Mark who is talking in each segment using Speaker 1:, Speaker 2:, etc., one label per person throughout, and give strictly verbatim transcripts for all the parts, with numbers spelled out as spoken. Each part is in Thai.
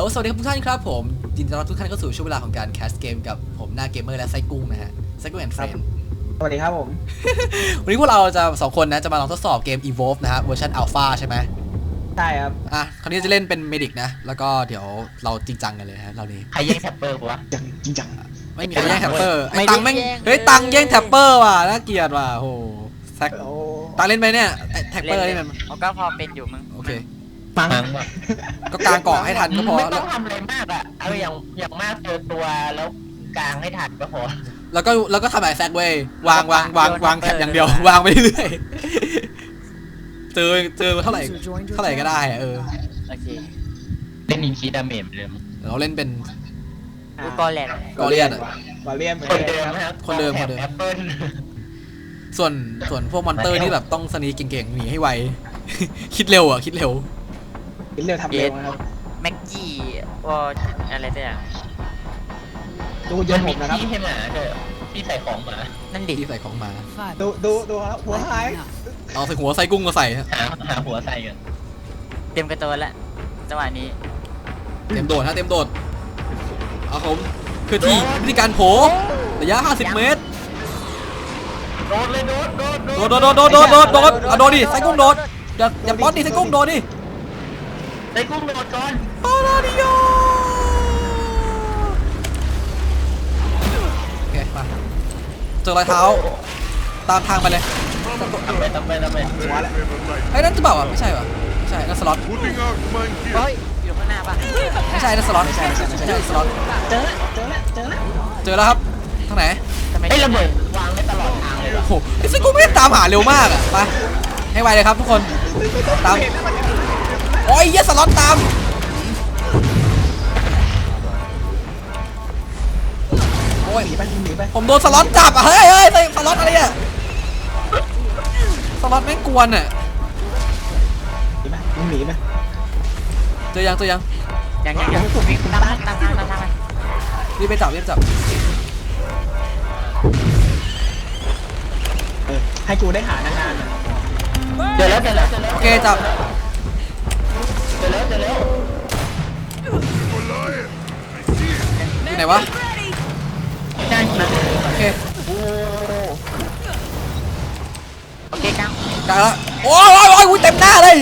Speaker 1: ลสวัสดีครับทุกท่านครับผมยินดีต้อนรับทุกท่านเข้าสู่ช่วงเวลาของการแคสเกมกับผมหน้าเกมเมอร์และไส้กุ้งนะฮะไส้กุ้งแอนด์เฟรนด์
Speaker 2: สวัสดีครับผม
Speaker 1: วันนี้พวกเราจะสองคนนะจะมาลองทดสอบเกม Evolve นะฮะเวอร์ชันอัลฟาใช่ไหม
Speaker 2: ใช่ครับ
Speaker 1: อ่ะคราวนี้จะเล่นเป็นเมดิกนะแล้วก็เดี๋ยวเราจริงจังกันเลยฮะเรานี้
Speaker 3: ใครแย่งแท็ปเปอร์กูวะ
Speaker 2: จังจริงจัง
Speaker 1: ไม่มีใครแย่งแท็ปเปอร์
Speaker 3: ไม่
Speaker 1: ไอ้
Speaker 3: ได้
Speaker 1: ตังแม่ง
Speaker 3: แย่ง
Speaker 1: เฮ้ยตังแย่งแท็ปเปอร์ว่ะน่าเกลียดว่ะโหแซก
Speaker 2: โอ้
Speaker 1: ตังเล่นไปเนี่ยแท็ปเปอร์นี่มัน
Speaker 3: เขาก็พอเป็นอยู่มึง
Speaker 1: โอเค
Speaker 2: มัง
Speaker 1: ก็กางเกาะให้ทันก็พอ
Speaker 3: ไม่ต้องทำอะไรมากอ่ะเอาอย่างอย่างมากเจอตัวแล้วกลางให้ทันก็พอ
Speaker 1: แล้วก็แล้วก็ทำแบบแซกเว้ยวางวางวางวางแท็บอย่างเดียววางไปเรื่อยๆเจอเจอเท่าไหร่เท่าไหร่ก็ได้อะเออ
Speaker 3: โอเคเล่นอินคีดาเมจเลยมั้ง
Speaker 1: เราเล่นเป็น
Speaker 3: กูกอแลนด์
Speaker 1: กอเลียนอะ
Speaker 2: วาเลียนเหมือน
Speaker 3: คน
Speaker 2: กัน
Speaker 3: เดิมนะครับ
Speaker 1: คนเดิมคนเดิม
Speaker 3: แอปเปิ้ล
Speaker 1: ส่วนส่วนพวกมอนเตอร์ที่แบบต้องสนีเก่งๆหนีให้ไว คิดเร็วอ่ะคิดเร็ว
Speaker 2: คิดเร็วทำเร็วนะครับ
Speaker 3: แม็กกี้วออะไรสักอย่าง
Speaker 2: ดูเย
Speaker 3: มั
Speaker 2: อะ
Speaker 3: น
Speaker 2: ผ
Speaker 3: มี
Speaker 2: มนะครับ
Speaker 3: ที่ให้หมาเถอะที่ใส่ของหมานั่นดิ
Speaker 1: ที่ใส่ของมา
Speaker 2: ดูดูดูครับหัวหาย
Speaker 1: เอาใส่หัวใส่กุ้งมาใส่ฮะ
Speaker 3: หาหาหัวใส่กันเต็มกระตัวแล้วจังหวะนี้
Speaker 1: เต็มโดดฮะเต็มโดดเอาผมคือที่วิธีการโผระยะห้าสิบเมตร
Speaker 3: โดดเลยโดดโดด
Speaker 1: โดดโดดโดดโดดโดดโดดเอาโดดดิใส่กุ้งโดดอย่าอย่าป๊อตดิใส่กุ้งโดดดิ
Speaker 3: ใส่กุ้งโดดก่อน
Speaker 1: ปาราดิโอโอเคมาเจอรอยเท้าตามทางไปเลย
Speaker 3: ทำไปทำไปทำไป
Speaker 2: หัวแหละ
Speaker 1: ไอ้นั่นจะเปล่าวะไม่ใช่วะไม่ใช่นั่นสล็อต
Speaker 4: Putting out my gear.
Speaker 3: เฮ้ยอยู่ข้างหน้าป่ะ
Speaker 1: ไม่ใช่นั่นสล็อตไม่ใช่ไม่ใช่ไม่ใช่สล็อต
Speaker 2: เจอแล้วเจอแล้วเจอแล้ว
Speaker 1: เจอแล้วครับทางไหน
Speaker 3: ทำไมไอ้ระเบิดวางไว้ตลอดทางเลยเหรอ
Speaker 1: โอ้โหไอ้ซึ่งกูไม่ได้ตามหาเร็วมากอ่ะไปให้ไวเลยครับทุกคนตามโอ้ยเหี้ยสล็อตตามโอ้ย
Speaker 2: หนีไปหนีไป
Speaker 1: ผมโดนสล็อตจับอ่ะเฮ้ยเฮ้ยเฮ้ยสล็อตอะไรอ่ะสล็อตแม่งกวนอ่ะ
Speaker 2: หนีไปมึงหนีไป
Speaker 1: เจอยังเจอยัง
Speaker 3: ยังยังยังวิ่งตามทางตามทางตามทางไป
Speaker 1: รีบไปจับรีบจับ
Speaker 2: เออให้กูได้หานานๆน่ะ
Speaker 3: เจอแล้วเจอแล้วเจอแล้ว
Speaker 1: โอเคจับ
Speaker 3: เจอแล้วเจอแล้ว
Speaker 1: อยู่ไหนวะ
Speaker 3: ใช่นะ
Speaker 1: โอเค
Speaker 3: โอเคกลาง
Speaker 1: กลางละโอ้ยโอ้ยโอ้ยอุ้ยเต็มหน้าเลย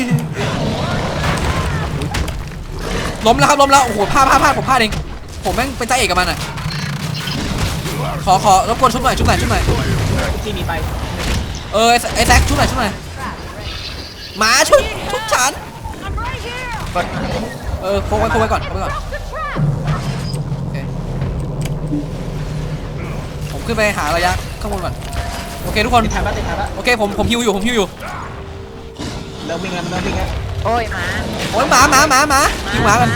Speaker 1: ล้มแล้วครับล้มแล้วโอ้โหพลาดพลาดพลาดผมพลาดเองผมแม่งเป็นใจเอกกับมันอ่ะขอขอรบกวนชุบหน่อยชุบหน่อยชุบหน่อย
Speaker 2: ที่หนีไป
Speaker 1: เออไอ้ไอ้แซคชุบหน่อยชุบหน่อยหมาชุบชุบฉัน
Speaker 3: กด
Speaker 1: เออโค้งไว้โค้งไว้ก่อนโค้งไว้ก่อนโอเคผมขึ้นไปหาระยะข้างบนก่อนโอเคทุกคน
Speaker 2: ติดทันปะติดทันปะ
Speaker 1: โอเคผมผมฮิวอยู่ผมฮิวอยู่
Speaker 2: เริ่มวิ่งแล้วมันเริ่มวิ่งแล้ว
Speaker 3: โอ้ยหมา
Speaker 1: โอ้ยหมาหมาหมาหมาฮิวหมากัน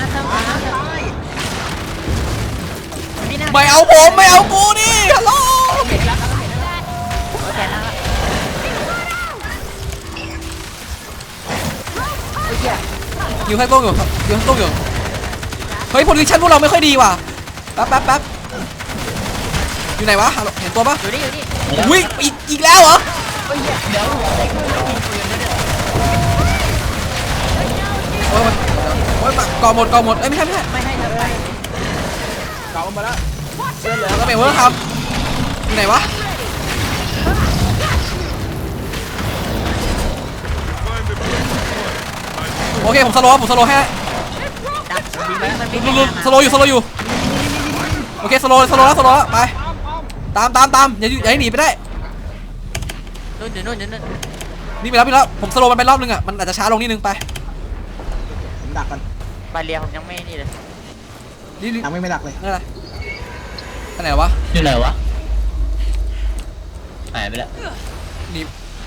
Speaker 3: ไม่น่า
Speaker 1: ไม่เอาผมไม่เอากูนี่ฮัลโหล
Speaker 3: โอเคแล้ว
Speaker 1: ฮิวให้ต้งอยู่ฮิวให้ต้งอยู่เฮ้ยโพซิชั่นพวกเราไม่ค่อยดีว่ะแป๊บแป๊บแป๊บอยู่ไหนวะฮัลโหลเห็นตัวปะ
Speaker 3: อยู่นี่อยู่นี่
Speaker 1: อุ้ยอีกอีกแล้วเหรอ
Speaker 3: เดี๋ยว
Speaker 1: โอ้ยโอ้ยก่อหมดก่อหมดเอ้ยไม่ใช่ไม่ใช่
Speaker 3: ไม่ให้ทำไป
Speaker 2: เก่ามาแล้ว
Speaker 1: แล้วเป็นเวิร์คทำอยู่ไหนวะ
Speaker 4: Find the place.
Speaker 1: โอเคผมสโลว์ผมสโลว์ให้
Speaker 3: ดับมันบิน
Speaker 1: ลุลุสโลว์อยู่สโลว์อยู่โอเคสโลว์สโลว์แล้วสโลว์แล้วไปตามตามตามอย่าอย่าให้หนีไปได้
Speaker 3: นู่นอยู่นู่นอยู่นู่น
Speaker 1: นี่ไปแล้วไปแล้วผมสโลว์มันไปรอบนึงอ่ะมันอาจจะช้าลงนิดนึงไป
Speaker 2: ผมดักกัน
Speaker 3: บาเรียผมยังไม่นี่เลย
Speaker 1: นี่นี่
Speaker 2: ยังไม่ไม่ดักเลย
Speaker 1: นี่อะไรไปไหนวะ
Speaker 3: อยู่ไหนวะหายไปแล้ว
Speaker 1: นี่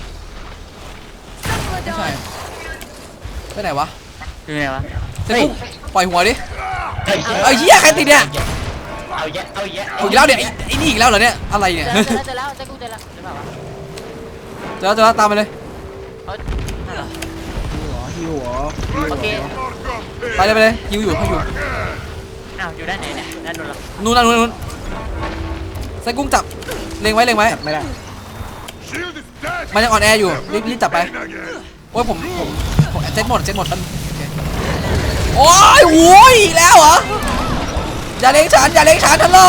Speaker 1: ไม่ใช่ไปไหนวะ
Speaker 3: อยู่ไหนวะ
Speaker 1: เซ็ตกุ้งปล่อยหัวดิ
Speaker 3: เฮ้ย
Speaker 1: เอ้ยเหี้ยใครติดเนี่ย
Speaker 3: เอาแยะเอาแยะ
Speaker 1: เอาอีกแล้วเนี่ยไอ้ไอ้นี่อีกแล้วเหรอเนี่ยอะไรเนี่ย
Speaker 3: เจอแล้วเจอแล้วเจอกูเจอแล้วหรือเปล่าวะ
Speaker 1: เจอแล้วเจอแล้วตามไปเลย
Speaker 3: เขานั่นเหรอ
Speaker 2: หิวเหรอหิวเหรอ
Speaker 3: โอเค
Speaker 1: ไปเลยไปเลยยิวอยู่เขาอยู่
Speaker 3: อ้าวอยู่ด้านไหนเนี่ยด้านนู้นเหรอ
Speaker 1: นู่นนั่นนู่นนู่นใส่กุ้งจับเล็งไว้เล็งไว้
Speaker 2: จับไม่ได้
Speaker 4: Shield is dead.
Speaker 1: มันยังอ่อนแออยู่รีบรีบจับไป
Speaker 4: In again.
Speaker 1: โอ้ยผมผมผมเซ็ตหมดเซ็ตหมดมันโอเคโอ้ยโอ้ยอีกแล้วเหรออย่าเลี้ยงฉันอย่าเลี้ยงฉันฮัลโหล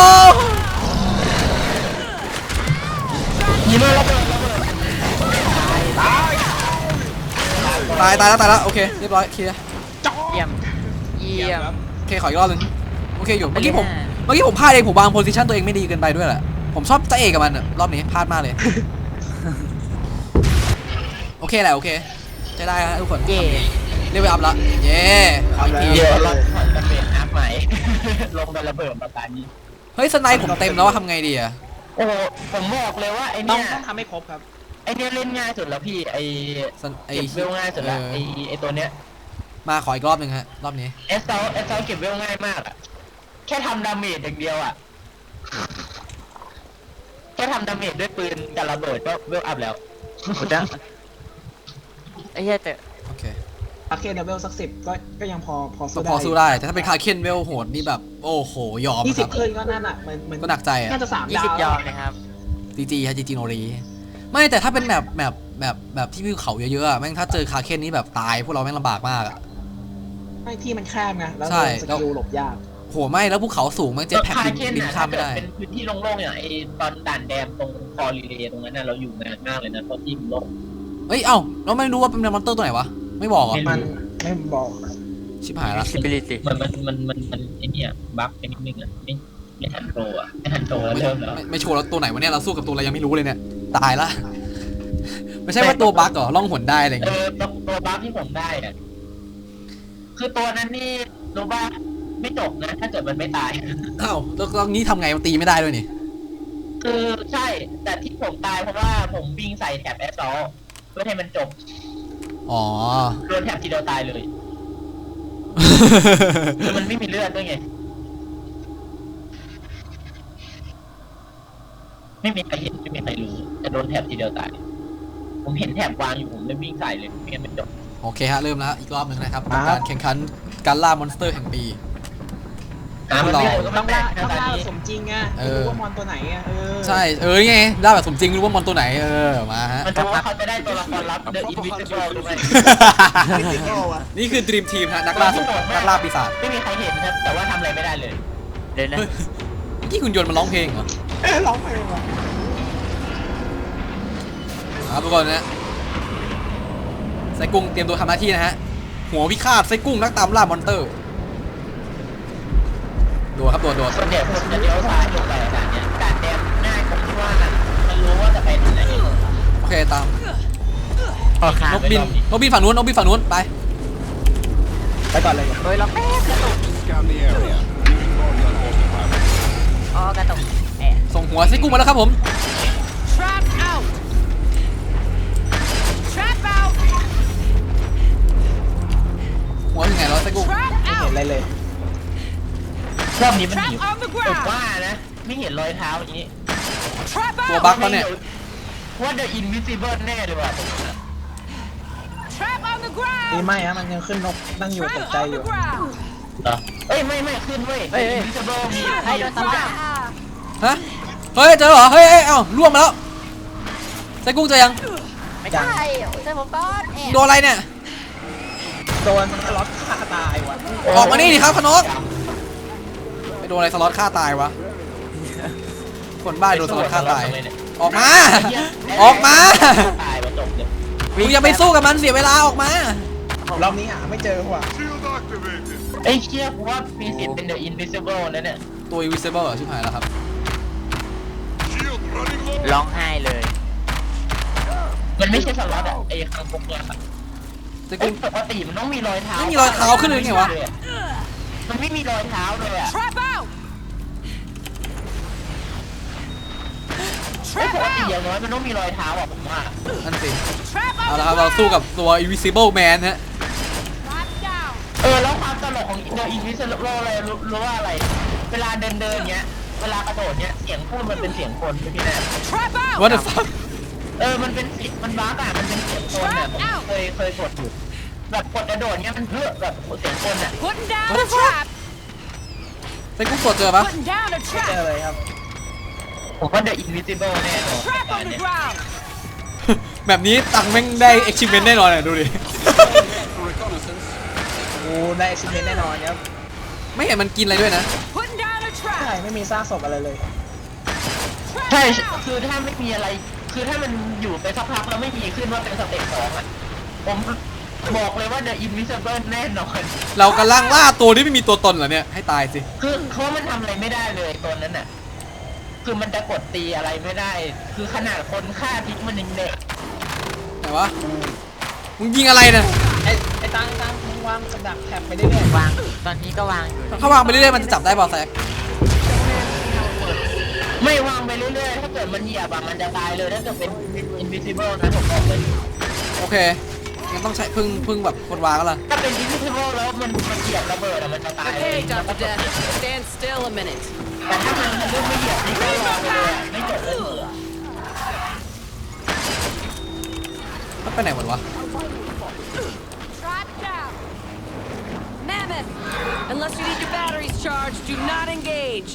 Speaker 3: ยิงเลยระเบิด
Speaker 1: ตายตายแล้วตายแล้วโอเคเรียบร้อยเคลียร์
Speaker 5: เยี่ยมเยี่ยม
Speaker 1: โอเคขออีกรอบนึงโอเคอยู่เมื่อกี้ผมเมื่อกี้ผมพลาดเองผมวางโพซิชันตัวเองไม่ดีเกินไปด้วยแหละผมชอบจะเอกกับมันอะรอบนี้พลาดมากเลย โอเคแหละโอเคจะได้ฮะทุกคน
Speaker 5: เย่
Speaker 1: เรียกไปอัพละเย้ขออีกที
Speaker 3: เดี๋ยวเราถอนระเบิดอัพใหม่ ลงไประเบิดประการนี้
Speaker 1: เฮ้ยสไนป์ผมเต็มแล้วว่าทำไงดีอะ
Speaker 3: โอ้โหผมบอกเลยว่าไอ
Speaker 2: ต้อง
Speaker 3: เนี้ย
Speaker 2: ต้องทำให้ครบครับ
Speaker 3: ไอเนี้ยเล่นง่ายสุดแล้วพี่ไอ
Speaker 1: สนไอ
Speaker 3: เก็บเวลง่ายสุดละ
Speaker 1: เออ
Speaker 3: ไอไอตัวเนี้ย
Speaker 1: มาขออีกรอบหนึ่งฮะรอบนี้
Speaker 3: เอสเซลเอสเซลเก็บเวลง่ายมากอะแค่ทำดาเมจอย่างเดียวอะแค่ทำดาเมจด้วยปืนกับระเบิดก็เวลอัพแล้ว
Speaker 5: กูจะไอ้เหี้ยแต่
Speaker 1: โอเค
Speaker 2: อาเคเลเวลสักสิบก็ก็ยังพอพอ
Speaker 1: ก็
Speaker 2: สู้
Speaker 1: พอ
Speaker 2: ได้
Speaker 1: สู้ได้แต่ถ้าเป็นคาเคนเวลโหดนี่แบบโอ้โหยอม
Speaker 2: ยี่
Speaker 1: ค
Speaker 2: สิ
Speaker 1: รั
Speaker 2: บบ ขึ้นก็นั่นอ่ะมันมัน
Speaker 1: ก็หนักใจอะ
Speaker 2: น่าจะสาม
Speaker 5: ยี่
Speaker 2: ดา
Speaker 5: สิบ
Speaker 2: วย
Speaker 5: อมนะครับ
Speaker 1: จีจีฮะจีจีโนรีไม่แต่ถ้าเป็นแบบแบบแบบแบบที่วิวเขาเยอะๆอะแม่งถ้าเจอคาเคนนี้แบบตายพวกเราแม่งลำบากมากอะ
Speaker 2: ไม่ที่มันแคบไงแล้ว
Speaker 1: ใช่
Speaker 2: สกิลหลบยาก
Speaker 1: โหไม่แล้วภูเขาสูงแม่งเจ็ตแพ็ค
Speaker 3: คา
Speaker 1: บิน
Speaker 3: เคน
Speaker 1: บิน
Speaker 3: น่ะ
Speaker 1: ข้า
Speaker 3: ถ้าม
Speaker 1: ไม่
Speaker 3: เกิด
Speaker 1: ได้
Speaker 3: เป็นพื้นที่โล่งๆเนี่ยไอตอนด่านแดมตรงคอรีเลย์ตรงนั้นน่ะเราอยู่นานมากเลยนะเพราะที่มันโล่ง
Speaker 1: เฮ้ยเอ้าเราไม่รู้ว่าเป็นมอนเตอร์ตัวไหนวะไม่บอกเหรอ
Speaker 3: ไม่
Speaker 2: มันไม่บอก
Speaker 1: ชิบหายละ
Speaker 5: visibility
Speaker 3: มันมันมันมันมันไอเนี่ยบั๊กไปนิดนึงอ่ะไม่ไม่ทันโตอ่ะไม่ทันโตแล้วเริ่มแล้ว
Speaker 1: ไม่ไม่โชว์แล้วตัวไหนวะเนี่ยเราสู้กับตัวอะไรยังไม่รู้เลยเนี่ยตายละไม่ใช่ว่าตัวบั๊กเหรอล่องหนได้อะไรอย่าง
Speaker 3: เอ
Speaker 1: เงี้ย
Speaker 3: อตัวตัวบั๊กที่ผมได้อ่ะคือตัวนั้นนี่รู้ป่ะไม่จบนะถ้าเกิดมันไม่ตาย
Speaker 1: อ้าวแล้วแล้วนี้ทำไงมันตีไม่ได้ด้วยนี่
Speaker 3: คือใช่แต่ที่ผมตายเพราะว่าผมวิ่งใส่แถบแอสซอลเพื่อให้มันจบ
Speaker 1: อ๋อ
Speaker 3: โดนแถบทีเดียวตายเลยคือมันไม่มีเลือดด้วยไงไม่มีใครเห็นไม่มีใครรู้แต่โดนแถบทีเดียวตายผมเห็นแถบวางอยู่ผมเลยวิ่งใส่เลยไม่งั้นมันจบ
Speaker 1: โอเคฮะเริ่มแล้วอีกรอบหนึ่งนะครับการแข่งขันการล่ามอนสเตอร์แห่งปี
Speaker 3: หามันไม่เจอก็
Speaker 2: ต้
Speaker 3: ต้
Speaker 2: อ
Speaker 3: อง ง
Speaker 2: ล่า
Speaker 3: ล่า
Speaker 2: ต้อง
Speaker 3: ตอน
Speaker 2: ล่า
Speaker 3: นี้
Speaker 2: สมจริงไง
Speaker 1: เอ
Speaker 2: ไม่
Speaker 1: อ
Speaker 2: รู้ว่ามอนตัวไหนอ่ะเออ
Speaker 1: ใช่เออไงล่าแบบสมจริงไม่รู้ว่ามอนตัวไหนเออมาฮะ
Speaker 3: มันจะว่าเขาจะได้ตัวละครลับ The Invisible หรือไม่
Speaker 2: ฟิสิกอลอ่ะ
Speaker 1: นี่คือ Dream Team ฮะนักล่าสมนักล่าปีศาจ
Speaker 3: ไม่มีใครเห็นครับแต่ว่าทำอะไรไม่ได้เลย
Speaker 5: เดี๋ยวนะ
Speaker 1: เฮ้ยเมื่อกี้คุณยนต์มันร้องเพลงเหรอ
Speaker 2: เอ้ยร้องไปว่ะ
Speaker 1: ครับทุกคนนะไส้กุ้งเตรียมตัวทำหน้าที่นะฮะหัวพิฆาตไส้กุ้งนักตามล่ามอนเตอร์โดดครับโดดโดด
Speaker 3: ส่วนใหญ่ผมจะเลี้ยวซ้ายลงไปด่านเนี้ยด่านแดงง่ายตรงที่ว่ามันรู้ว่าจะไปทางไหน
Speaker 1: โอเคตาม
Speaker 5: พอค้าง
Speaker 1: นกบินนกบินฝั่งนู้นนกบินฝั่งนู้นไป
Speaker 2: ไปก่อนเลย
Speaker 5: โดยล็อกแป๊บกระตุก
Speaker 4: Scan the area. Moving body on autopilot.
Speaker 5: อ๋อกระตุกแอะ
Speaker 1: ส่งหัวไส้กุ้งมาแล้วครับผม
Speaker 6: Trap out! Trap out!
Speaker 1: หัวถึงไหนแล้วไส้กุ้ง
Speaker 6: Trap
Speaker 2: ไม่เห็น
Speaker 6: out!
Speaker 2: อะไรเลย
Speaker 3: รอบนี้มัน
Speaker 6: Trap
Speaker 3: หิว
Speaker 6: on the
Speaker 3: ผม
Speaker 6: ground!
Speaker 3: ว่านะไม่เห็นรอยเท้าอย่างนี้
Speaker 6: Trap
Speaker 1: ตัว
Speaker 6: out!
Speaker 1: บั๊กปะเนี่ย
Speaker 3: ว่า The Invisible แน่เลยว่ะผม
Speaker 6: Trap on the
Speaker 2: นี่
Speaker 6: ground!
Speaker 2: ไม่ฮะมันยังขึ้นนกนั่งอยู่ต
Speaker 6: Trap
Speaker 2: กใจ
Speaker 6: on
Speaker 2: อ
Speaker 6: the
Speaker 2: ยู่
Speaker 6: ground!
Speaker 3: เหรอเอ้ยไม่ไม่ขึ้นเว้ย The Invisible มี
Speaker 5: ไอ้โดนตบ
Speaker 1: ฮะเฮ้ยเจอเหรอเฮ้ยเอ้ยเอ้าล่วงมาแล้วไส้กุ้งเจอยัง
Speaker 5: ไม่ใช่ใช่ผมก้อนแอะ
Speaker 1: โดนอะไรเนี่ย
Speaker 2: โดนสล็อตฆ่าตายว่ะ
Speaker 1: ออกมานี่ดิครับขนกไปโดนอะไรสล็อตฆ่าตายวะคนบ้าโดนสล็อตฆ่าตายออกมา ออกมา
Speaker 3: ตายมาจบเลย
Speaker 1: กูอย่าไปสู้กับมันเสียเวลาออกมาร
Speaker 2: อบนี้หาไม่เจอว่ะ
Speaker 4: Shield activated.
Speaker 3: ไอ้ยเชี่ยผมว่ามีสิทธิ์เป็น The Invisible นะเนี่ย
Speaker 1: ตัว invisible เหรอชิบหายแล้วครับ
Speaker 4: Shield running low.
Speaker 5: ร้องไห้เลย
Speaker 3: มันไม่ใช่สล็อตอะไอ้คางคกเนี่ยครับ
Speaker 1: ไส้
Speaker 3: เอ้
Speaker 1: กุ้
Speaker 3: ย
Speaker 1: ง
Speaker 3: ปกติมันต้องมีรอยเท้า
Speaker 1: ไม่มีรอยเท้าขึ้นเลยไงวะ
Speaker 3: มันไม่มีรอยเท้าเลยอะ
Speaker 6: Trap out!
Speaker 3: เอ้ย
Speaker 6: Trap
Speaker 3: ปกติ
Speaker 6: out!
Speaker 3: อย่างน้อยมันต้องมีรอยเท้าอะผมว่า
Speaker 1: นั่นสิ
Speaker 6: Trap
Speaker 1: เอา
Speaker 6: on
Speaker 1: ละ
Speaker 6: the
Speaker 1: ครับเราสู้
Speaker 6: ground!
Speaker 1: กับตัว invisible man ฮะ
Speaker 6: Trap down!
Speaker 3: เออแล้วความตลกของ The Invisible เลยรู้รู้ว่าอะไร เวลาเดินเดินเงี้ย เวลากระโดดเนี้ยเสียงพูดมันเป็นเสียงคนพี่แน่
Speaker 6: Trap out!
Speaker 1: what the fuck
Speaker 3: เออมันเป็นเสียงมันบ้าอะมันเป็นเสียงคนอะผมเคยเคยกดอยู่แบบกดกระโดดเนี้ยมันเพื่อแบบเสียงคนอะ
Speaker 6: Putting down
Speaker 1: What
Speaker 6: a
Speaker 1: the fuck?
Speaker 6: trap!
Speaker 1: ไส้กุ้งกดเจอปะ
Speaker 6: Putting down a
Speaker 2: เจอ
Speaker 6: trap!
Speaker 2: เลยครับ
Speaker 3: ผมว่า The Invisible แน่นอน
Speaker 6: Trap on the ground!
Speaker 1: แบบนี้ตังค์แม่งได้ achievement แน่นอนอ่ะดูดิ
Speaker 2: โอ้ได้เอ็กซิเมนต์แน่นอนครับ
Speaker 1: ไม่เห็นมันกินอะไรด้วยนะ
Speaker 6: Putting down a
Speaker 2: ใช่
Speaker 6: trap.
Speaker 2: ไม่มีซากศพอะไรเลย
Speaker 3: ใช่คือถ้าไม่มีอะไร คือถ้ามันอยู่ไปสักพักแล้วไม่มีขึ้นว่าเป็นสเต็ปสองอ่ะผมบอกเลยว่า The Invisible แน่นอน
Speaker 1: เรากำลังล่าตัวที่ไม่มีตัวตนเหรอเนี่ยให้ตายสิ
Speaker 3: คือเขามันทำอะไรไม่ได้เลยตัวนั้นน่ะ คือมันจะกดตีอะไรไม่ได้ คือขนาดคนฆ่าพิกมันยังเด็ก
Speaker 1: ไหนวะมึงยิงอะไรเนี่ย
Speaker 2: ไอ้ไอ้ตังตังมึงวางกับดักแถบไปเรื่อยๆ
Speaker 5: วางตอนนี้ก็วางอยู่นะ
Speaker 1: ถ้าวางไปเรื่อยๆมันจะจับได้เปล่าแซก
Speaker 3: ไม่วางไปเรื่อยๆ ถ้าเกิดมันเหยียบอะมันจะตายเลย ถ้าเกิดเป็น Invisible นะผมบอกเลย
Speaker 1: โอเคงั้นต้องใช้พึ่งพึ่งแบบคนวางแล้วล่ะ
Speaker 3: ถ้าเป็น Invisible แล้วมันมันเหยียบระเบิดอะมันจะตายเลย
Speaker 6: Okay, Doctor Death. Stand still a minute.
Speaker 3: แต่ถ้ามันมันเรื่องไม่เหยียบนี่ก็รอไปเลยอะไม่จบเลย
Speaker 1: มันไปไหนหมดวะ
Speaker 6: Trap down. Mammoth. Unless you need your batteries charged, do not engage.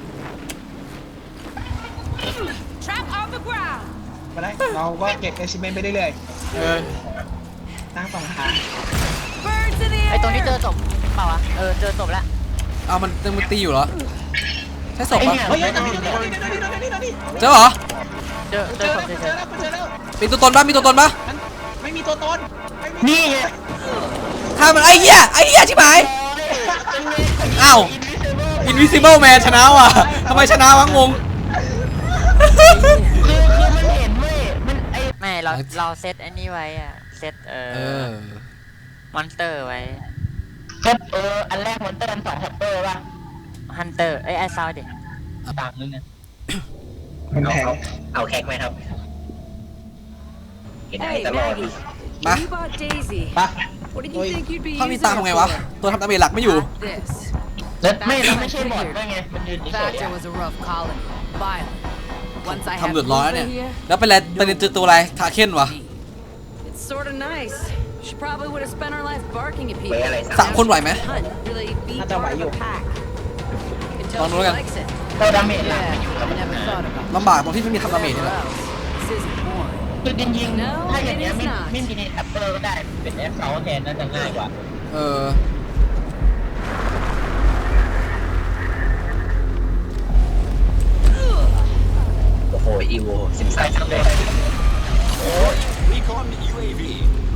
Speaker 6: Trap on the ground.
Speaker 2: มาได้เราก็เก็บเอ็กซิเมนต์ไปเรื่อย
Speaker 1: เออ
Speaker 2: ๆตั้งสองทาง
Speaker 6: Birds in the
Speaker 5: ไอตรงนี้เจอ
Speaker 6: air.
Speaker 5: ศพเปล่าวะเออเจอศพแล้ว
Speaker 1: เอามันยังมันตีอยู่เหรอใช่ศพปะ
Speaker 2: เฮ้ยตรงนี้ตรงนี้ตรงนี้ตรงนี้ตรงนี้ตรงนี้
Speaker 1: เจอเหรอ
Speaker 5: เจอเจ
Speaker 2: เจ
Speaker 5: อ
Speaker 2: อ
Speaker 5: ศ
Speaker 2: แล้ว
Speaker 5: พ
Speaker 2: เจ
Speaker 5: เฉ
Speaker 2: อย แล้วเจอแล้ว
Speaker 1: มีตัวตนปะมีตัวตนปะ
Speaker 2: มันไม่มีตัวตนไม่มี
Speaker 3: นี่ไง
Speaker 1: ถ้ามันไอ้เหี้ยไอ้เหี้ยชิบหายอ้าว Invisible Man ชนะว่ะทำไมชนะวะงง
Speaker 3: คือคือมันเห็นเว้ยมันไอ
Speaker 5: ไม่เราเราเซตอันนี้ไว้อะเซตเอ
Speaker 1: เอ
Speaker 5: อ
Speaker 1: อ
Speaker 5: มอนสเตอร์ไว้
Speaker 3: ก็เอออันแรกมอนเตอร์อันสองแฮปเปอร์ป่ะ
Speaker 5: ฮันเตอร์เอ้ยไอซาวดิ
Speaker 3: ต่างนึงนะ
Speaker 2: มันแพง
Speaker 3: เอาแขกไหมครับเห็นไหม
Speaker 6: Hey,
Speaker 3: ตลอด
Speaker 6: Maggie.
Speaker 1: Ma?
Speaker 6: You bought Daisy.
Speaker 2: ปะ
Speaker 6: What did you
Speaker 2: Oi.
Speaker 6: think you'd be
Speaker 1: ถ้ามี
Speaker 6: using
Speaker 1: ตาทำไง
Speaker 6: it
Speaker 1: วะ
Speaker 6: for?
Speaker 1: ตัวทำดาเมจหลักไม่อยู่
Speaker 6: Not this.
Speaker 3: แล้วไม่แล้วไม่ใช่บอทด้วยไงมันยืนเฉย
Speaker 6: Factor
Speaker 3: ๆ
Speaker 6: was a rough colony. Violent. Once I
Speaker 1: ทำ
Speaker 6: have
Speaker 1: เดือดร้อนแล้วเนี่ย
Speaker 6: Luther here,
Speaker 1: แล้วเป็นอะไรเป็นตัวอะไรทาเคนวะ
Speaker 6: it's sort of nice. She probably would have spent her life barking at
Speaker 3: ไว้
Speaker 6: people.
Speaker 3: อะไร
Speaker 1: สามคนไหวไหม
Speaker 6: Hunt, really be
Speaker 2: น่าจะ
Speaker 6: part
Speaker 2: ไหว
Speaker 6: of
Speaker 2: อยู่
Speaker 6: a pack. Until
Speaker 1: Lon
Speaker 6: she
Speaker 1: Logan.
Speaker 6: likes it.
Speaker 3: ตัวดาเมจหลัก
Speaker 6: Yeah,
Speaker 3: ไม่อยู่แล้ว
Speaker 6: I never thought about
Speaker 1: ลำบากตรงที่ไม่มีทำดาเมจนี่แห
Speaker 6: Whatever
Speaker 1: ละ
Speaker 6: else. This isn't boring.
Speaker 3: คือจริงๆ
Speaker 6: No,
Speaker 3: ถ้าอย่างเงี้ย
Speaker 6: it is
Speaker 3: ไม่
Speaker 6: not.
Speaker 3: ไม่มีแฮปเปอร์ก็ได้เป็นแอปเซาแทนน่าจะง่ายกว่า
Speaker 1: เออ
Speaker 3: โอ้โหอีโวสิบสามเลย
Speaker 4: Recon U A V.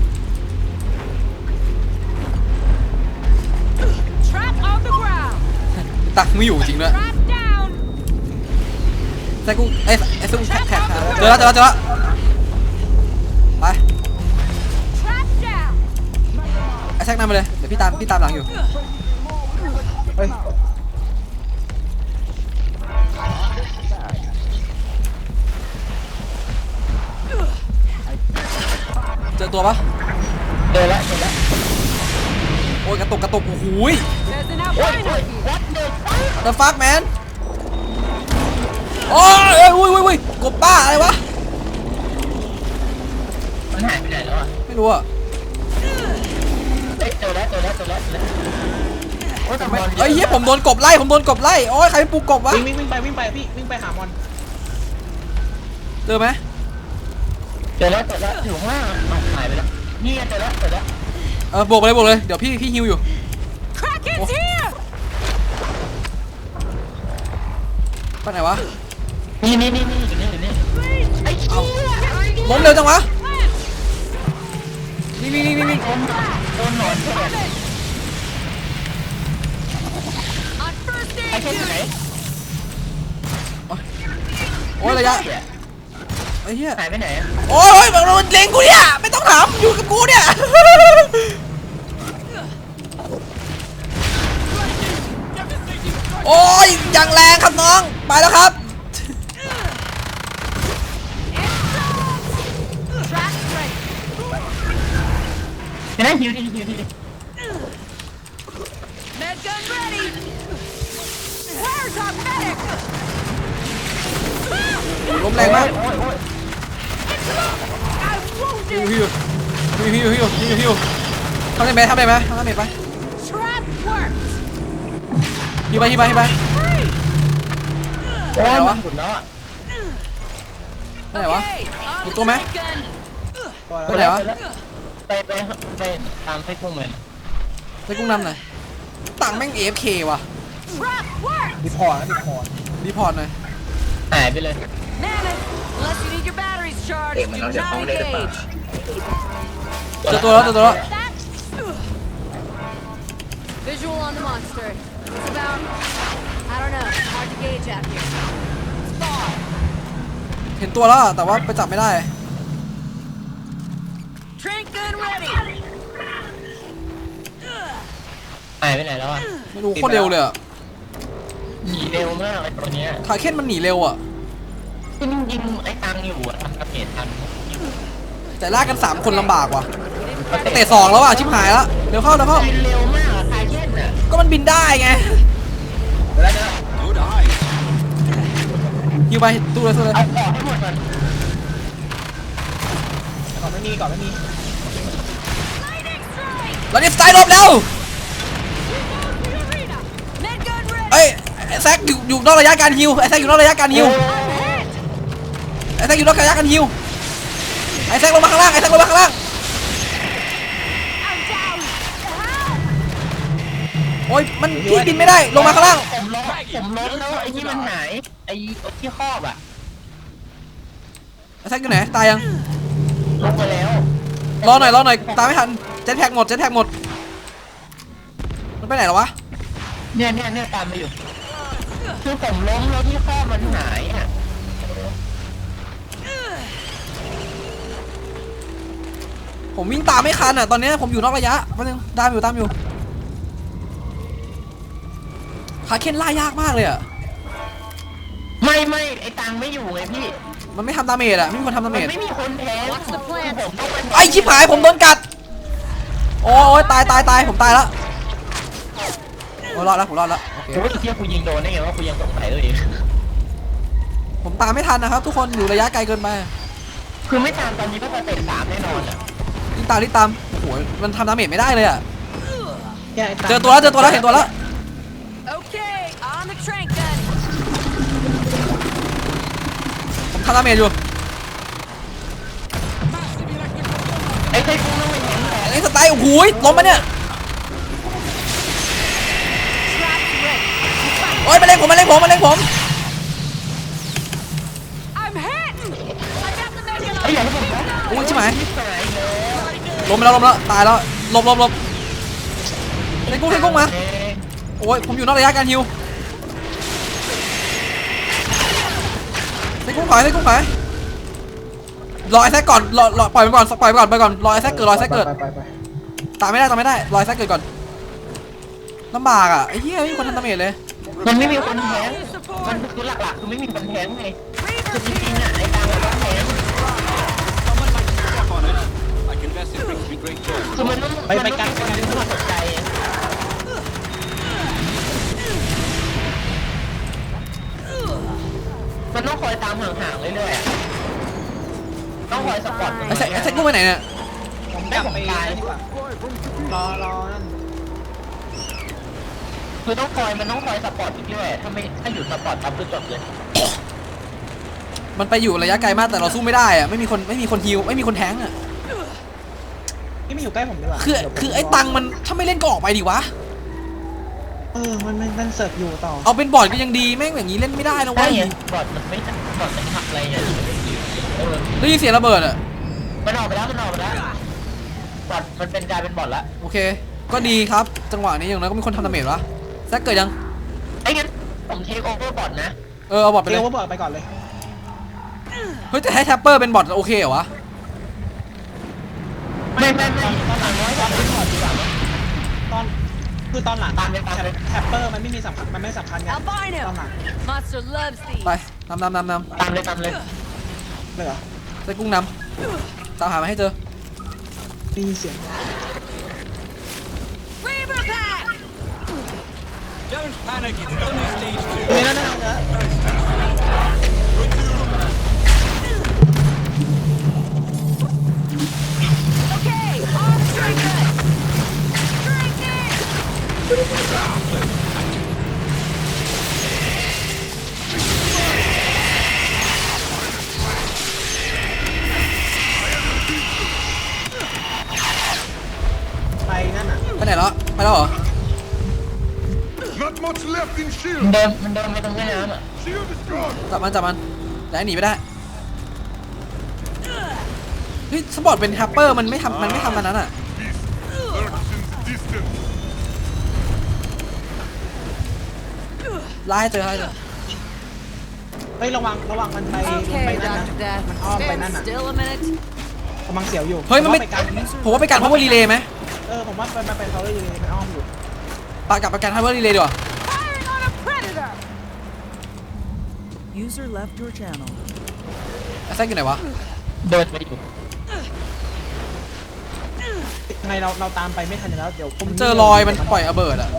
Speaker 6: Trap on the ground.
Speaker 1: ตักไม่อยู่จริงด้วย
Speaker 6: Trap down.
Speaker 1: แซกกูไอ้ไอ้ซุ่มแท็กแท็กเจอแล้วเจอแล้วเจอแล้วไป
Speaker 6: Trap down.
Speaker 1: ไอ้แซกนำไปเลยเดี๋ยวพี่ตามพี่ตามหลังอยู่
Speaker 2: เฮ้ย
Speaker 1: เจอตัวปะ
Speaker 3: เจอแล้วเจอแล้ว
Speaker 1: โอ้ยกระตุกกระตุกโอ้โหย
Speaker 6: There's an
Speaker 3: โอ้ย
Speaker 6: albino
Speaker 3: โอ้ย
Speaker 6: here.
Speaker 3: what the fuck
Speaker 1: The fuck man โอ้ยเอ้ยอุ้ยอุ้ยอุ้ยกบบ้าอะไรวะ
Speaker 3: มันหายไปไหนแล้วอ่ะ
Speaker 1: ไม่รู้อะ
Speaker 3: เอ้ยเจอแล้วเจอแล้วเจอแล้วเจอแล้วโอ้ยแต่บอล
Speaker 1: เอ้ยเฮียผมโดนกบไล่ผมโดนกบไล่โอ้ยใครเป็นปูกบวะ
Speaker 2: วิ่งวิ่งวิ่งไปวิ่งไปพี่วิ่งไปหามอน
Speaker 1: เจอไหม
Speaker 3: เจอแล้วเจอแล้วอยู่ข้างล่างอ่ะอ้าวหายไปแล้วนี่ไงเจอแล้วเจอแล้ว
Speaker 1: เออบวกไปเลยบวกเลยเดี๋ยวพี่พี่ฮิวอยู่
Speaker 6: Kraken's here.
Speaker 1: ไปไหนวะ
Speaker 3: นี่นี่นี่นี่อยู่นี่อยู่นี่ไอ้เหี้ย
Speaker 1: ล้มเร็วจังวะนี่นี่นี่นี่นี่
Speaker 3: โดนโดนหนอนแทง
Speaker 6: On first
Speaker 3: ไอ้
Speaker 6: aid
Speaker 3: แค่ไหน
Speaker 6: duty.
Speaker 1: โอ้ยระยะไอ้เหี้ย
Speaker 3: หายไปไหนอ่ะ
Speaker 1: โอ้ยโอ้ยมันเล็งกูเนี่ยไม่ต้องถามอยู่กับกูเนี่ยโอ้ยอย่างแรงครับน้องไปแล้วครับ
Speaker 6: Trap ready.
Speaker 3: จะได้ฮิวดิฮิวดิ
Speaker 6: Med gun ready. Where's our medic?
Speaker 1: ล้มแรงมาก
Speaker 3: โอ้ยโอ้ย
Speaker 6: I'm
Speaker 1: ฮิว
Speaker 6: wounded.
Speaker 1: ฮิวฮิวฮิวฮิวฮิวฮิวทำได้ไหมทำได้ไหมทำได้ไหมไป
Speaker 6: Trap worked.
Speaker 1: ฮิวไปฮิวไปฮิวไป
Speaker 6: Free.
Speaker 3: โอ้ยมันหมุนแล้วอ่ะ
Speaker 1: ไปไหนวะ
Speaker 6: Okay, on
Speaker 1: Một
Speaker 6: the
Speaker 1: tô má.
Speaker 6: med gun.
Speaker 2: ตัว
Speaker 1: ไป
Speaker 2: แล้ว
Speaker 1: ไหนวะ
Speaker 3: ไปไปไปตามให้พวกมัน
Speaker 1: ไปกุ้งนำหน่อยตังแม่ง เอ เอฟ เค ว่ะ
Speaker 6: Rough work!
Speaker 2: รีพอร์ตนะรีพอร์ต
Speaker 1: รีพอร์ตหน่อย
Speaker 3: หายไปเลย
Speaker 6: Mammoth, unless you need your batteries charged, do not engage.
Speaker 1: เจอตัวแล้วเจอตัวแล้ว
Speaker 6: Visual on the monster. It's about, I don't know, hard to gauge out here. It's far.
Speaker 1: เห็นตัวแล้วอะแต่ว่าไปจับไม่ได้
Speaker 6: Trank gun ready.
Speaker 3: หายไปไหนแล้วอ่ะ
Speaker 1: ไม่รู้โคตรเร็วเลยอะ
Speaker 3: หนีเร็วมากไอ้ตัวเนี้ย
Speaker 1: ขาเค้นมันหนีเร็วอะ
Speaker 3: ที่มันยิงไอ้ตังอยู่อะทำกระเพดทันอยู่
Speaker 1: แต่ลากกันสามคนลำบากว่ะเตะสองแล้วอะชิบหายแล้วเร็วเข้าเร็วเข้า
Speaker 3: ไปเร็วมากอะคายเย็นอะ
Speaker 1: ก็มันบินได้ไง
Speaker 2: แล้วนะ
Speaker 4: Good eye.
Speaker 1: ยิวไปตู้เลยตู้เลย
Speaker 3: เอาออกให้หมดก่อน
Speaker 2: ก่อนไม่มีก่อนไม่มี
Speaker 6: Lightning strike.
Speaker 1: แล้วนี่สไตล์ลบแล้ว
Speaker 6: Med gun ready.
Speaker 1: เอ้ยไอ้แซกอยู่อยู่นอกระยะการฮิวไอ้แซกอยู่นอกระยะการฮิว
Speaker 6: I'm hit.
Speaker 1: ไอ้แซกอยู่นอกระยะการฮิวไอ้แซกลงมาข้างล่างไอ้แซกลงมาข้างล่าง
Speaker 6: I'm down. Help.
Speaker 1: โอ้ยมันที่บินไม่ได้ลงมาข้างล่าง
Speaker 3: ผมล้มผมล้มแล้วไอ้นี่มันหายไอ้ที่ครอบอะ
Speaker 1: ไอ้แซกอยู่ไหนตายยัง
Speaker 3: ลงไปแล้ว
Speaker 1: รอหน่อยรอหน่อยตามไม่ทันเจ็ตแพ็กหมดเจ็ตแพ็กหมดมันไปไหนแล้ววะ
Speaker 3: เนี่ยเนี่ยเนี่ยตามไปอยู่คือผมล้มแล้วที่ครอบมันหายอะ
Speaker 1: ผมวิ่งตามไม่ทันอ่ะตอนนี้ผมอยู่นอกระยะแป๊บนึงตามอยู่ตามอยู่ขาเค้นล่ายากมากเลยอ่ะ
Speaker 3: ไม่ไม่ไอ้ตังไม่อยู่ไงพี่
Speaker 1: มันไม่ทำดาเมจอ่ะไม่มีคนทำดา
Speaker 3: มั
Speaker 1: เม
Speaker 3: น
Speaker 1: จ
Speaker 3: ไม่มีคนแพ้คือผมต้องเป็น
Speaker 1: ไอ้ชิบหายผมโดนกัดโอ้ยตายตายตายผมตายแล้วโอ้ยรอดแล้วผมรอดแล้วโอเค
Speaker 3: โอ้ยเที่ยกูยิงโดนได้ไงว่ากูยังสงสัยเลย
Speaker 1: ผมตามไม่ทันนะครับทุกคนอยู่ระยะไกลเกินไป
Speaker 3: คือไม่ตามตอนนี้ก็สเตจสามแน่นอนอ่ะ
Speaker 1: รีบตามรีบตามโอ้โหมันทำดาเมจไม่ได้เลยอ่ะ
Speaker 2: แกไตัง
Speaker 1: เจอตัวแล้วเจอตัวแล้วเห็นตัวแล้ว
Speaker 6: Okay, on the trank gun.
Speaker 1: ผมทำดาเมจอยู่
Speaker 3: ไอ้ไอ้กูต้องไปเห็นแหละ
Speaker 1: ไอ้สไตล์โอ้โหล้มไปเนี่ย
Speaker 6: Traps ready.
Speaker 1: โอ้ยมาเล่นผมมาเล่นผมมาเล่นผม
Speaker 6: I'm hit. I got the med gun
Speaker 3: ไอ้
Speaker 6: on.
Speaker 3: อย่างที่ผมบอก
Speaker 1: โอ้ยชิบหาย
Speaker 3: ที่หายแล้ว
Speaker 1: ล้มไปแล้วล้มแล้วตายแล้วหลบหลบหลบเล่นกุ้งเล่นกุ้งมาโอ้ยผมอยู่นอกระยะการฮิวเล่นกุ้งถอยเล่นกุ้งถอยรอไอ้แซกก่อนรอรอปล่อยมันก่อนปล่อยมันก่อนไปก่อนรอไอ้แซกเกิดรอไอ้แซกเกิด
Speaker 2: ไปไปไป
Speaker 1: ตามไม่ได้ตามไม่ได้รอไอ้แซกเกิดก่อนลำบากอ่ะไอ้เหี้ยไม่มีคนทำดาเมจเลย
Speaker 3: มันไม่มีคนแพ้มันคือหลักๆคือไม่มีคนแพ้ไงคือจริงๆอ่ะไอ้ตังมันต้องแพ้
Speaker 4: Step on it. I confess it brings me great joy.
Speaker 3: คือมันต้อง
Speaker 2: ไปไปกันไปกัน
Speaker 3: มันต้องสนใจอะมันต้องคอยตามห่างๆเรื่อยๆอะต้องคอยสปอร์ต
Speaker 1: ไอ้แซกไอ้แซกกุ้งไปไหนเนี่ย
Speaker 2: ผมกลับไปดีกว่ารอรอนั่น
Speaker 3: คือต้องคอยมันต้องคอยสปอร์ตเรื่อยๆถ้าไม่ถ้าหยุดสปอร์ตปั๊บคือจบเลย
Speaker 1: มันไปอยู่ระยะไกลมากแต่เราสู้ไม่ได้อ่ะไม่มีคนไม่มีคนฮิวไม่มีคนแทงอ่ะ
Speaker 2: นี่ไม่อยู่ใกล้ผมดีกว่า
Speaker 1: คือคือไอ้ตังมันถ้าไม่เล่นก็ออกไปดิวะ
Speaker 2: เออมันมันมันเสิร์ฟอยู่ต่อ
Speaker 1: เอาเป็นบอร์ดก็ยังดีแม่งอย่างนี้เล่นไม่ได้นะ
Speaker 3: ใช่
Speaker 1: เว้ย
Speaker 3: ไงบอร์ดมันไม่บอร์ดมันทำอะไรอย่างเออ
Speaker 1: ได้ยินเสียงระเบิดอ่ะ
Speaker 3: มันออกไปแล้วมันออกไปแล้วบอร์ดมันเป็นกลายเป็นบอร์ดละ
Speaker 1: โอเคก็ดีครับจังหวะนี้อย่างน้อยก็มีคนทำดาเมจวะแซกเกิดยัง
Speaker 3: ไอ้งั้นผมเทคโอเวอร์บอร์ดนะ
Speaker 1: เออเอาบอร์ดไป
Speaker 2: เดี๋
Speaker 1: เลย
Speaker 2: วย ว่าบอกไปก่อนเลย
Speaker 1: เฮ้ยแต่ให้แทปเปอร์เป็นบอร์ดโอเคเหรอวะ
Speaker 3: ไม่ไม่ไม่
Speaker 2: ตอนหลังน้อยตอนเป็นก่อนดีกว่ามั้งตอนคือตอนหลัง
Speaker 3: ตามเลยตามเลย
Speaker 2: แทปเปอร์มันไม่มีสำคัญมันไม่สำคัญกันตอนหลัง
Speaker 6: Albino. Monster loves these.
Speaker 1: ไปนำนำนำนำ
Speaker 3: ตามเลยตามเลย
Speaker 2: เลยเหรอ
Speaker 1: ใส่กุ้งนำตามหามาให้เจอ
Speaker 2: ได้ยินเสียง
Speaker 6: Reaver pack.
Speaker 4: Don't panic. It's only stage two.
Speaker 2: เฮ้ยนั่นนั่นนั่น
Speaker 6: Okay, on the trank gun. Trank it.
Speaker 2: ไปนั่นน่ะ
Speaker 1: ไปไหนแล้ว
Speaker 2: ไ
Speaker 1: ไปแล้วเหรอ
Speaker 7: Not much left in
Speaker 3: มัน
Speaker 7: shield.
Speaker 3: เดินมันเดินไปตรงแม่น้ำอ่ะ
Speaker 7: Shield is gone.
Speaker 1: จับมันจับมันแต่หนีไม่ได้เฮ้ยสปอร์ตเป็นแฮปเปอร์มันไม่ทำมันไม่ทำมันนั้นอ่ะ
Speaker 7: Lurks in the distance.
Speaker 1: ไล่ให้เจอไล่ให้เจอ
Speaker 2: เฮ้ยระวังระวังมันไปมัน
Speaker 6: Okay,
Speaker 2: ไปนั่นนะ
Speaker 6: Doctor Death.
Speaker 2: มันอ้อมไปนั่น
Speaker 6: Stand
Speaker 2: น่ะ
Speaker 6: still a minute.
Speaker 2: กำลังเสียวอยู่
Speaker 1: เฮ้ยมันไม่
Speaker 2: ผว่าปการ
Speaker 1: ผมว่าไปการ power relay ไหม
Speaker 2: เออผมว่ามันไปเขาเลยอยู่มันอ้อมอยู่
Speaker 1: ปากลับไปการ power relay ดีกว่า
Speaker 6: Firing on a predator.
Speaker 8: User left your channel.
Speaker 1: ไอ้แซกอยู่ไหนวะ
Speaker 3: เดินไปอยู่
Speaker 2: ยังไงเราเราตามไปไม่ทันอยู่แล้วเดี๋ยว
Speaker 1: ผมเจอรอยมันปล่อยระเบิดอ่ะ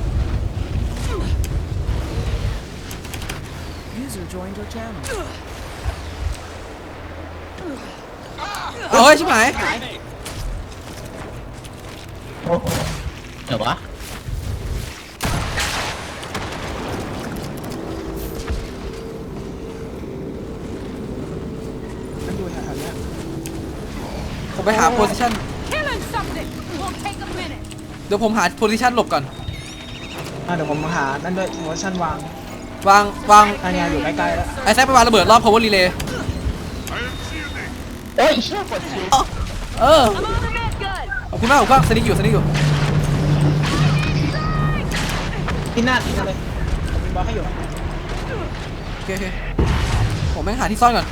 Speaker 8: User joined your channel.
Speaker 1: เอาเฮ้ยชิบหาย
Speaker 3: โอ้โหเดี๋ยววะ
Speaker 2: มันอยู่แถวๆเนี้ย
Speaker 1: ผมไปหา position
Speaker 6: Killing something. Won't take a minute.
Speaker 1: เดี๋ยวผมหา position หลบก่อน
Speaker 2: อ่ะเดี๋ยวผมหานั่นด้วยโมชั่นวาง
Speaker 1: วางวาง
Speaker 2: อันเนี้ยอยู่ใกล้ๆแล้ว
Speaker 1: ไอ้แซกไปวางระเบิดรอบ power relay
Speaker 7: I am shielding.
Speaker 3: โอ้ยเชี่ยปวดชิว
Speaker 1: เออ
Speaker 6: I'm on the med gun.
Speaker 1: ขอบคุณมากผมก็สนิกอยู่สนิกอยู่
Speaker 2: ที่หน้าตีกันเลยผมบล็อกให้อยู่
Speaker 1: โอเคโอเคผมแม่งหาที่ซ่อนก่อน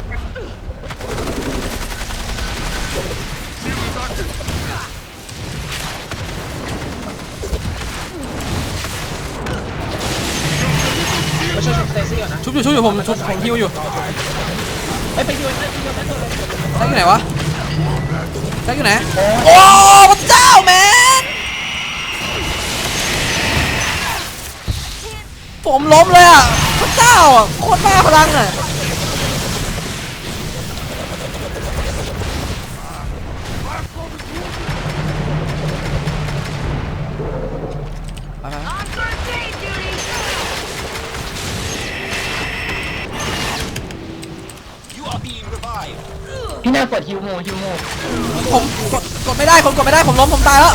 Speaker 2: มาช่วยสเตซี่ก่อนนะ
Speaker 1: ชุบอยู่ชุบอยู่ผมชุบผมฮิวอยู่
Speaker 2: เฮ้ยไปฮิวนะฮิวนะตัวเลย
Speaker 1: แซกอยู่ไหนวะแซกอยู่ไหนโอ้พระเจ้าแมนผมล้มเลยอ่ะพระเจ้าอ่ะโคตรบ้าพลังอ่ะไปไป
Speaker 6: On first aid duty.
Speaker 4: You are being revived.
Speaker 3: พี่น่ากดฮิวโมฮิวโม
Speaker 1: ผมกดกดไม่ได้ผมกดไม่ได้ผมล้มผมตายแล้ว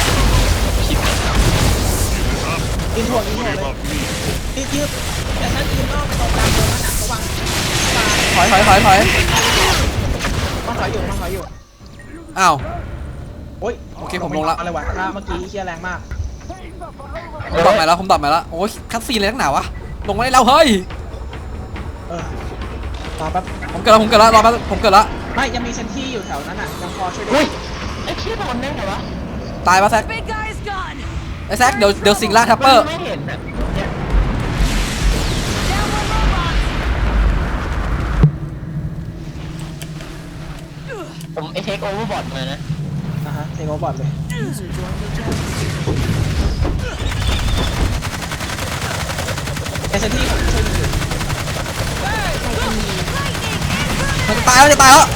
Speaker 2: ยิงถ่วงยิงถ่วงเลยตียืดแต่นั้นยืนนอกตรงกลางตรงนั้นระวัง
Speaker 1: ถอยถอยถอยถอย
Speaker 2: ต้องถอยอยู่ต้องถอยอยู่
Speaker 1: อ้าว
Speaker 2: โอ้ย
Speaker 1: โอเคผมลงละ
Speaker 2: อะไรวะถ้าเมื่อกี้เชียร์แรงมาก
Speaker 1: ผมตอบมาแล้วผมตอบมาแล้วโอ้ยคัดซีนเลยนักหนาวะลงมาได้แล้วเฮ้ย
Speaker 2: เออรอแป๊บ
Speaker 1: ผมเกิดแล้วผมเกิดแล้วรอแป๊บผมเกิดแล้ว
Speaker 2: ไม่ยังมีเซนที่อยู่แถวนั้นอ่ะยังพอช่วยได้
Speaker 3: อุ้ยไอ้เชี่ยโดนได้ไงวะ
Speaker 1: ตายปะแซก
Speaker 6: Big guy's gone.
Speaker 1: ไอ้แซกเดี๋ยวเดี๋ยวสิงล่างทัปเปอร์
Speaker 3: ไม่เห็นอ่ะ
Speaker 6: Down one robot.
Speaker 3: ผมไอเทคโอเวอร์บอทมานะ
Speaker 2: นะฮะเทคโอบอร์ดเลย
Speaker 8: User joined your channel.
Speaker 2: ไอเซนที่ผมช่วยอยู่
Speaker 1: มันจะตายแล้วมันจะตายแล้ว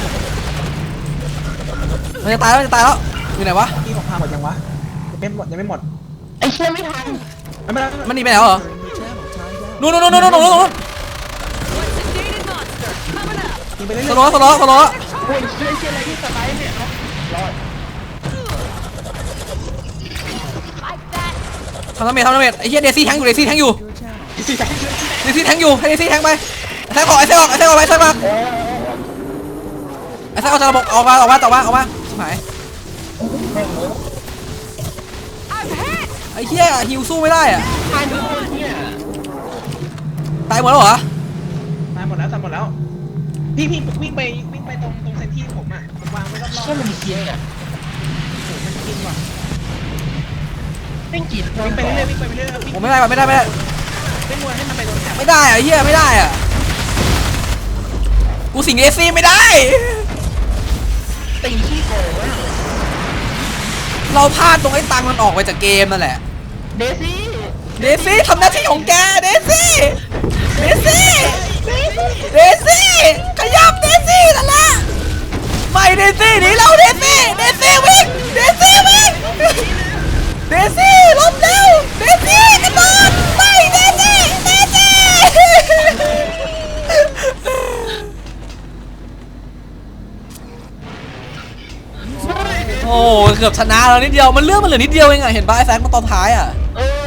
Speaker 1: มันจะตายแล้วมันจะตายแล้วอยู่ไหนวะ
Speaker 2: ที่ผมพาหมดยังวะยังไม่หมดยังไม่หมด
Speaker 3: ไอเชี่ยไม่ทัน
Speaker 2: ไม่เป็นไร
Speaker 1: มันหนีไปไหนแล้วเหรอ
Speaker 8: Your channel timed out.
Speaker 1: นู่นนู่นนู่นนู่นนู่นนู่น
Speaker 6: What's a dated monster? Coming up.
Speaker 2: ยิงไปเรื่อย
Speaker 1: สโลว์สโลว์สโลว์
Speaker 3: โอ้ยเชี่ยเชี่ยอะไรที่สไปร์เนี่ยครับรอด
Speaker 6: Like that.
Speaker 1: ทำดาเมจทำดาเมจไอ้เหี้ยเดซี่แทงอยู่เดซี่แทงอยู่
Speaker 8: Your channel.
Speaker 2: ๆสิแบงค์
Speaker 1: เดซี่แทงอยู่ให้เดซี่แทงไปไอ้แซกออกไอ้แซกออกไอ้แซกออกไปไอ้แซกมาไอ้แซกออกจากระบบออกมาออกมาออกมาออกมาชิบหาย
Speaker 6: I'm hit.
Speaker 1: ไอ้เหี้ยฮิวสู้ไม่ได้อะ
Speaker 3: ทันทุกคนเนี่ย
Speaker 1: ตายหมดแล้วเหรอ
Speaker 2: ตายหมดแล้วตายหมดแล้วพี่พี่วิ่งไปวิ่งไปตรงตรงเซนที่ผมอ่ะผมวางไว้รอบ
Speaker 3: เชี่ยมันเคี้ยอ่ะ
Speaker 2: ๆโอ้โหมันกินว่ะ
Speaker 3: ไม่กิน
Speaker 2: วิ่งไปเรื่อยๆวิ่งไปเรื่อยๆวิ่ง
Speaker 1: ผมไม่ได้ว่ะไม่ได้ไม่ได้
Speaker 2: ไม่มวยให้มันไปโดนแถบ
Speaker 1: ไม่ได้อะไอ้เหี้ยไม่ได้อะกูสิงเดซี่ไม่ได้
Speaker 3: ตีขี้โกงอะ
Speaker 1: เราพลาดตรงไอ้ตังมันออกไปจากเกมนั่นแหละ
Speaker 3: เดซี่
Speaker 1: เดซี่ทำหน้าที่ของแกเดซี่เดซี่เดซี่ขยับเดซี่นั่นแหละไม่เดซี่หนีเราเดซี่เดซี่วิ่งเดซี่วิ่งเดซี่ล้มเร็วเดซี่กระโดดไม่เดซี่เดซี่โอ้เกือบชนะแล้วนิดเดียวมันเรื่องมันเหลือนิดเดียวเองอะเห็นป่ะไอ้แซงมาตอนท้ายอะ
Speaker 3: เออ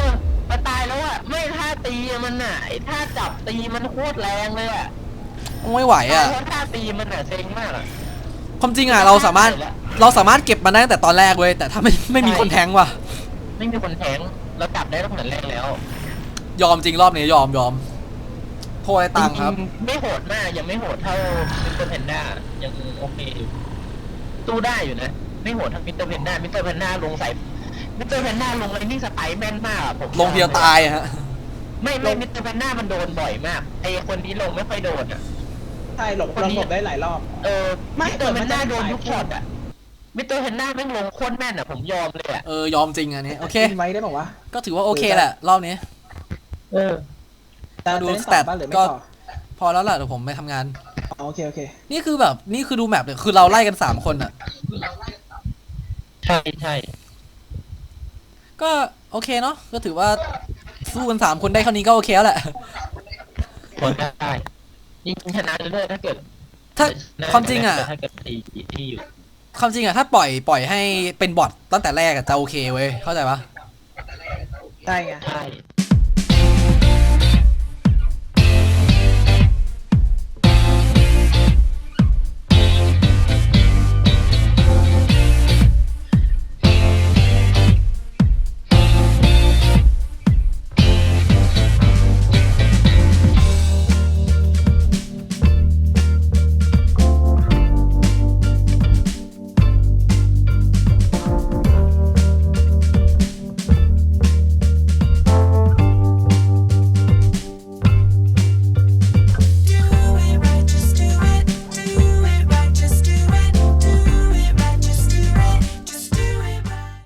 Speaker 3: ตีมันโคตรแรงเลยอ่ะ
Speaker 1: ไม่ไหวอ่ะ
Speaker 3: เพราะท่าตีมันอ่ะเซ็งมากอ่ะ
Speaker 1: ความจริงอ่ะเราสามารถเราสามารถเก็บมันได้ตั้งแต่ตอนแรกเว้ยแต่ถ้าไม่ไม่มีคนแทงว่ะ
Speaker 3: ไม่มีคนแทงเราจับได้ตั้งแต่แรกแล้ว
Speaker 1: ยอมจริงรอบนี้ยอมยอมโทษไอ้ตังค์ครับ
Speaker 3: จงๆไม่โหดมากยังไม่โหดเท่ามิสเตอร์เพนด้ายังโอเคอยู่สู้ได้อยู่นะไม่โหดเท่ามิสเตอร์เพนด้ามิสเตอร์เพนด้าลงใส่มิสเตอร์เพนด้าลงไอ้นี่สไตล์แม่นมากอะผม
Speaker 1: ลงเดียวตายอะฮะ
Speaker 3: ไม่ไม่มิสเตอร์เพนด้ามันโดนบ่อยมากไอคนนี้ลงไม่ค่อยโดนอ่ะ
Speaker 2: ใช่หลบเราหลบได้หลายรอบ
Speaker 3: เออ
Speaker 2: ไม่
Speaker 3: มิสเตอร์เพนด้า
Speaker 2: แต่มัน
Speaker 3: โดน
Speaker 2: ได้
Speaker 3: ทุกช็อตอ่ะมิสเตอร์เพนด้าแม่งลงโคตรแม่นอ่ะผมยอมเลยอ่ะ
Speaker 1: เออยอมจริงอันนี้โอเค
Speaker 2: ไว้ได้บอกว่า
Speaker 1: ก็ถือว่าโอเคแหละรอบนี้
Speaker 3: เออ
Speaker 2: แต่
Speaker 1: ดู
Speaker 2: จะเล่น
Speaker 1: สแตท
Speaker 2: ต่อบ้านหรือไม่
Speaker 1: ก็
Speaker 2: ต่อ
Speaker 1: พอแล้วแหละเดี๋ยวผมไปทำงาน
Speaker 2: อ๋อโอเคโอเค
Speaker 1: นี่คือแบบนี่คือดูแมปเลยคือเราไล่กันสามคนอ่ะ
Speaker 3: ใช่ใช่
Speaker 1: ก็โอเคเนาะก็ถือว่าสู้กันสามคนได้เท่านี้ก็โอเคแล้วแหละ
Speaker 3: คนได้ยิงชนะเรื่อยๆถ้าเกิด
Speaker 1: ถ้าความจริงอ่ะ
Speaker 3: ถ้าเกิดตีที่อยู่
Speaker 1: ความจริงอ่ะถ้าปล่อยปล่อยให้เป็นบอทตั้งแต่แรกอะจะโอเคเว้ยเข้าใจปะ
Speaker 2: ได้ไง
Speaker 3: ใช่